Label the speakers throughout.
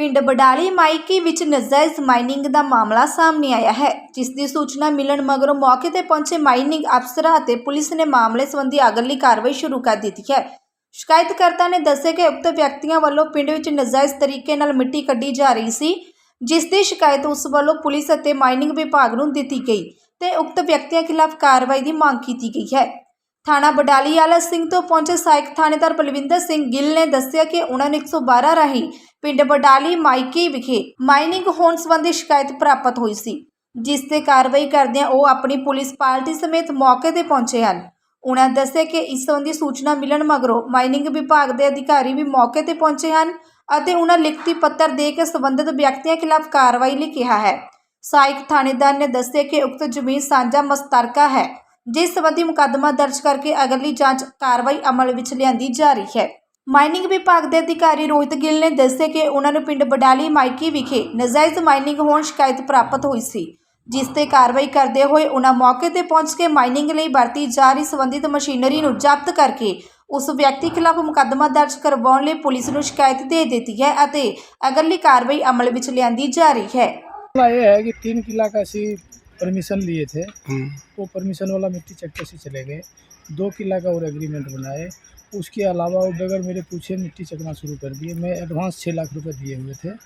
Speaker 1: ਪਿੰਡ ਬਡਾਲੀ ਮਾਈਕੀ ਵਿੱਚ ਨਜਾਇਜ਼ ਮਾਈਨਿੰਗ ਦਾ ਮਾਮਲਾ ਸਾਹਮਣੇ ਆਇਆ ਹੈ, ਜਿਸ ਦੀ ਸੂਚਨਾ ਮਿਲਣ ਮਗਰੋਂ ਮੌਕੇ ਤੇ ਪਹੁੰਚੇ ਮਾਈਨਿੰਗ ਅਫਸਰਾਂ ਅਤੇ ਪੁਲਿਸ ਨੇ ਮਾਮਲੇ ਸੰਬੰਧੀ ਅਗਲੀ ਕਾਰਵਾਈ ਸ਼ੁਰੂ ਕਰ ਦਿੱਤੀ ਹੈ। ਸ਼ਿਕਾਇਤਕਰਤਾ ਨੇ ਦੱਸਿਆ ਕਿ ਉਕਤ ਵਿਅਕਤੀਆਂ ਵੱਲੋਂ ਪਿੰਡ ਵਿੱਚ ਨਜਾਇਜ਼ ਤਰੀਕੇ ਨਾਲ ਮਿੱਟੀ ਕੱਢੀ ਜਾ ਰਹੀ ਸੀ, ਜਿਸ ਦੀ ਸ਼ਿਕਾਇਤ ਉਸ ਵੱਲੋਂ ਪੁਲਿਸ ਅਤੇ ਮਾਈਨਿੰਗ ਵਿਭਾਗ ਨੂੰ ਦਿੱਤੀ ਗਈ ਤੇ ਉਕਤ ਵਿਅਕਤੀਆਂ ਖਿਲਾਫ ਕਾਰਵਾਈ ਦੀ ਮੰਗ ਕੀਤੀ ਗਈ ਹੈ। ਥਾਣਾ ਬਡਾਲੀ ਆਲਾ ਸਿੰਘ ਤੋਂ ਪਹੁੰਚੇ ਸਹਾਇਕ ਥਾਣੇਦਾਰ ਬਲਵਿੰਦਰ ਸਿੰਘ ਗਿੱਲ ਨੇ ਦੱਸਿਆ ਕਿ ਉਹਨਾਂ ਨੂੰ 112 ਰਾਹੀਂ ਪਿੰਡ ਬਡਾਲੀ ਮਾਈਕੀ ਵਿਖੇ ਮਾਈਨਿੰਗ ਹੋਣ ਸੰਬੰਧੀ ਸ਼ਿਕਾਇਤ ਪ੍ਰਾਪਤ ਹੋਈ ਸੀ, ਜਿਸ ਤੇ ਕਾਰਵਾਈ ਕਰਦਿਆਂ ਉਹ ਆਪਣੀ ਪੁਲਿਸ ਪਾਰਟੀ ਸਮੇਤ ਮੌਕੇ ਤੇ ਪਹੁੰਚੇ ਹਨ। ਉਹਨਾਂ ਦੱਸਿਆ ਕਿ ਇਸ ਸੰਬੰਧੀ ਸੂਚਨਾ ਮਿਲਣ ਮਗਰੋਂ ਮਾਈਨਿੰਗ ਵਿਭਾਗ ਦੇ ਅਧਿਕਾਰੀ ਵੀ ਮੌਕੇ ਤੇ ਪਹੁੰਚੇ ਹਨ ਅਤੇ ਉਹਨਾਂ ਲਿਖਤੀ ਪੱਤਰ ਦੇ ਕੇ ਸੰਬੰਧਿਤ ਵਿਅਕਤੀਆਂ ਖਿਲਾਫ ਕਾਰਵਾਈ ਲਈ ਕਿਹਾ ਹੈ। ਸਹਾਇਕ ਥਾਣੇਦਾਰ ਨੇ ਦੱਸਿਆ ਕਿ ਉਕਤ ਜ਼ਮੀਨ ਸਾਂਝਾ ਮਸਤਰਕਾ ਹੈ, ਜਿਸ ਸੰਬੰਧੀ ਮੁਕੱਦਮਾ ਦਰਜ ਕਰਕੇ ਅਗਲੀ ਜਾਂਚ ਕਾਰਵਾਈ ਅਮਲ ਵਿੱਚ ਲਿਆਂਦੀ ਜਾ ਰਹੀ ਹੈ। ਮਾਈਨਿੰਗ ਵਿਭਾਗ ਦੇ ਅਧਿਕਾਰੀ ਰੋਹਿਤ ਗਿੱਲ ਨੇ ਦੱਸਿਆ ਕਿ ਉਹਨਾਂ ਨੂੰ ਪਿੰਡ ਬਡਾਲੀ ਮਾਈਕੀ ਵਿਖੇ ਨਜਾਇਜ਼ ਮਾਈਨਿੰਗ ਹੋਣ ਸ਼ਿਕਾਇਤ ਪ੍ਰਾਪਤ ਹੋਈ ਸੀ, ਜਿਸ ਤੇ ਕਾਰਵਾਈ ਕਰਦੇ ਹੋਏ ਉਹਨਾਂ ਮੌਕੇ ਤੇ ਪਹੁੰਚ ਕੇ ਮਾਈਨਿੰਗ ਲਈ ਵਰਤੀ ਜਾ ਰਹੀ ਸੰਬੰਧਿਤ ਮਸ਼ੀਨਰੀ ਨੂੰ ਜ਼ਬਤ ਕਰਕੇ ਉਸ ਵਿਅਕਤੀ ਖਿਲਾਫ ਮੁਕੱਦਮਾ ਦਰਜ ਕਰਵਾਉਣ ਲਈ ਪੁਲਿਸ ਨੂੰ ਸ਼ਿਕਾਇਤ ਦੇ ਦਿੱਤੀ ਹੈ ਅਤੇ ਅਗਲੀ ਕਾਰਵਾਈ ਅਮਲ ਵਿੱਚ ਲਿਆਂਦੀ ਜਾ ਰਹੀ ਹੈ।
Speaker 2: ये है कि 3 किला का ऐसी परमिशन लिए थे, वो परमिशन वाला मिट्टी चक्के से चले गए। 2 किला का और एग्रीमेंट बनाए, उसके अलावा वो बगैर मेरे पूछे मिट्टी चकना शुरू कर दिए। मैं एडवांस 6 लाख रुपए दिए हुए थे,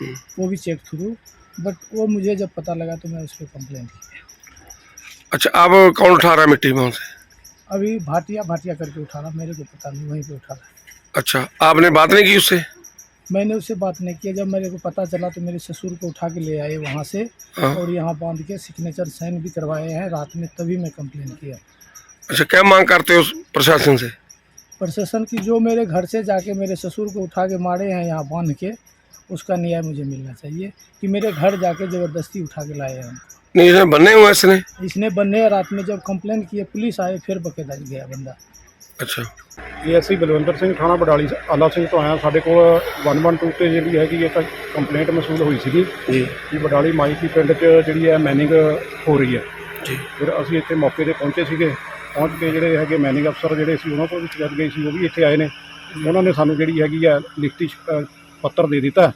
Speaker 2: वो भी चेक थ्रू, बट वो मुझे जब पता लगा तो मैं उस पर कंप्लेंट की।
Speaker 3: अच्छा, अब कौन उठा रहा है मिट्टी वहाँ से?
Speaker 2: अभी भाटिया करके उठा रहा, मेरे को पता नहीं, वहीं पे उठा रहा।
Speaker 3: अच्छा, आपने बात नहीं की उससे?
Speaker 2: मैंने उससे बात नहीं किया। जब मेरे को पता चला तो मेरे ससुर को उठा के ले आए वहाँ से और यहाँ बांध के सिग्नेचर साइन भी करवाए हैं रात में, तभी मैं कंप्लेन किया।
Speaker 3: अच्छा, क्या मांग करते हो प्रशासन से?
Speaker 2: प्रशासन की जो मेरे घर से जाके मेरे ससुर को उठा के मारे हैं यहाँ बांध के, उसका न्याय मुझे मिलना चाहिए कि मेरे घर जाके ज़बरदस्ती उठा के लाए हैं।
Speaker 3: नहीं, इसने बनने हुआ
Speaker 2: इसने बनने रात में जब कंप्लेन किए पुलिस आए, फिर बकेदा गया बंदा।
Speaker 3: अच्छा,
Speaker 4: ਅਸੀਂ ਬਲਵਿੰਦਰ ਸਿੰਘ ਥਾਣਾ ਬਡਾਲੀ ਆਲਾ ਸਿੰਘ ਤੋਂ ਆਇਆ। ਸਾਡੇ ਕੋਲ 112 ਤੇ ਜਿਹੜੀ ਹੈਗੀ ਇੱਕ ਕੰਪਲੇਂਟ ਮਸੂਲ ਹੋਈ ਸੀਗੀ ਜੀ ਕਿ ਬਡਾਲੀ ਮਾਈਕੀ ਪਿੰਡ 'ਚ ਜਿਹੜੀ ਹੈ ਮੈਨਿੰਗ ਹੋ ਰਹੀ ਹੈ ਜੀ। ਫਿਰ ਅਸੀਂ ਇੱਥੇ ਮੌਕੇ ਤੇ ਪਹੁੰਚੇ ਸੀਗੇ। ਪਹੁੰਚ ਕੇ ਜਿਹੜੇ ਹੈਗੇ ਮੈਨਿੰਗ ਅਫਸਰ ਜਿਹੜੇ ਸੀ ਉਹਨਾਂ ਕੋਲ ਵੀ ਸ਼ਿਕਾਇਤ ਗਈ ਸੀ, ਉਹ ਵੀ ਇੱਥੇ ਆਏ ਨੇ। ਉਹਨਾਂ ਨੇ ਸਾਨੂੰ ਜਿਹੜੀ ਹੈਗੀ ਹੈ ਲਿਖਤੀ ਪੱਤਰ ਦੇ ਦਿੱਤਾ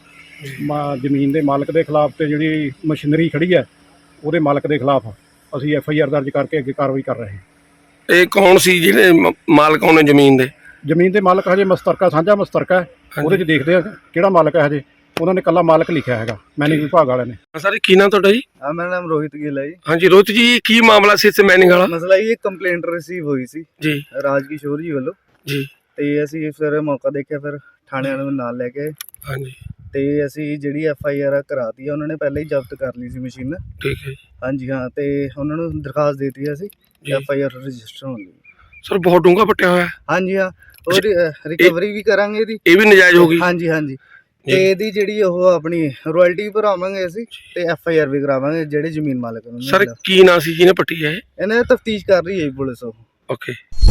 Speaker 4: ਜ਼ਮੀਨ ਦੇ ਮਾਲਕ ਦੇ ਖਿਲਾਫ ਤੇ ਜਿਹੜੀ ਮਸ਼ੀਨਰੀ ਖੜੀ ਹੈ ਉਹਦੇ ਮਾਲਕ ਦੇ ਖਿਲਾਫ ਅਸੀਂ FIR ਦਰਜ ਕਰਕੇ ਅੱਗੇ ਕਾਰਵਾਈ ਕਰ ਰਹੇ ਹਾਂ।
Speaker 3: ਇਹ ਕੌਣ ਸੀ ਜਿਹੜੇ ਮਾਲਕ ਹੋਣੇ ਜ਼ਮੀਨ
Speaker 4: ਦੇ ਮਾਲਕ ਹਜੇ ਮਸਤਰਕਾ ਸਾਂਝਾ ਮਸਤਰਕਾ ਹੈ, ਉਹਦੇ 'ਚ ਦੇਖਦੇ ਆ ਕਿਹੜਾ ਮਾਲਕ ਹੈ। ਹਜੇ ਉਹਨਾਂ ਨੇ ਇਕੱਲਾ ਮਾਲਕ ਲਿਖਿਆ ਹੈਗਾ ਮੈਨਿੰਗ ਵਿਭਾਗ ਵਾਲਿਆਂ ਨੇ।
Speaker 3: ਸਰ, ਕੀ ਨਾਮ ਤੁਹਾਡਾ ਜੀ?
Speaker 5: ਮੇਰਾ ਨਾਮ ਰੋਹਿਤ ਗਿੱਲ ਹੈ ਜੀ।
Speaker 3: ਹਾਂਜੀ ਰੋਹਿਤ ਜੀ, ਕੀ ਮਾਮਲਾ ਸੀ ਇੱਥੇ ਮੈਨਿੰਗ ਵਾਲਾ?
Speaker 5: ਮਸਲਾ ਇਹ ਕੰਪਲੇਂਟ ਰਿਸੀਵ ਹੋਈ ਸੀ
Speaker 3: ਜੀ
Speaker 5: ਰਾਜਕਿਸ਼ੋਰ ਜੀ ਵੱਲੋਂ
Speaker 3: ਜੀ, ਤੇ
Speaker 5: ਅਸੀਂ ਫਿਰ ਮੌਕਾ ਦੇਖਿਆ, ਫਿਰ ਥਾਣਿਆਂ ਨੂੰ ਨਾਲ ਲੈ ਕੇ
Speaker 3: ਹਾਂਜੀ
Speaker 5: ਤੇ ਅਸੀਂ ਜਿਹੜੀ FIR ਕਰਾਤੀ ਆ। ਉਹਨਾਂ ਨੇ ਪਹਿਲਾਂ ਹੀ ਜ਼ਬਤ ਕਰ ਲਈ ਸੀ ਮਸ਼ੀਨ।
Speaker 3: ਠੀਕ ਹੈ
Speaker 5: ਹਾਂਜੀ ਹਾਂ, ਤੇ ਉਹਨਾਂ ਨੂੰ ਦਰਖਾਸਤ ਦੇ ਦਿੱਤੀ ਅਸੀਂ FIR ਰਜਿਸਟਰ ਹੋਣ ਲਈ।
Speaker 3: ਸਰ, ਬਹੁਤ ਡੂੰਘਾ ਪੱਟਿਆ ਹੋਇਆ।
Speaker 5: ਹਾਂਜੀ ਹਾਂ, ਔਰ ਰਿਕਵਰੀ ਵੀ ਕਰਾਂਗੇ ਇਹਦੀ।
Speaker 3: ਇਹ ਵੀ ਨਜਾਇਜ਼ ਹੋ ਗਈ?
Speaker 5: ਹਾਂਜੀ ਹਾਂਜੀ, ਤੇ ਇਹਦੀ ਜਿਹੜੀ ਉਹ ਆਪਣੀ ਰਾਇਲਟੀ ਭਰਾਵਾਂਗੇ ਅਸੀਂ ਤੇ FIR ਵੀ ਕਰਾਵਾਂਗੇ ਜਿਹੜੇ ਜ਼ਮੀਨ ਮਾਲਕ ਨੂੰ।
Speaker 3: ਸਰ, ਕੀ ਨਾਂ ਸੀ ਜਿਹਨੇ ਪੱਟੀ ਹੈ?
Speaker 5: ਇਹਨਾਂ ਤਫਤੀਸ਼ ਕਰ ਰਹੀ ਹੈ ਪੁਲਿਸ। ਉਹ
Speaker 3: ਓਕੇ।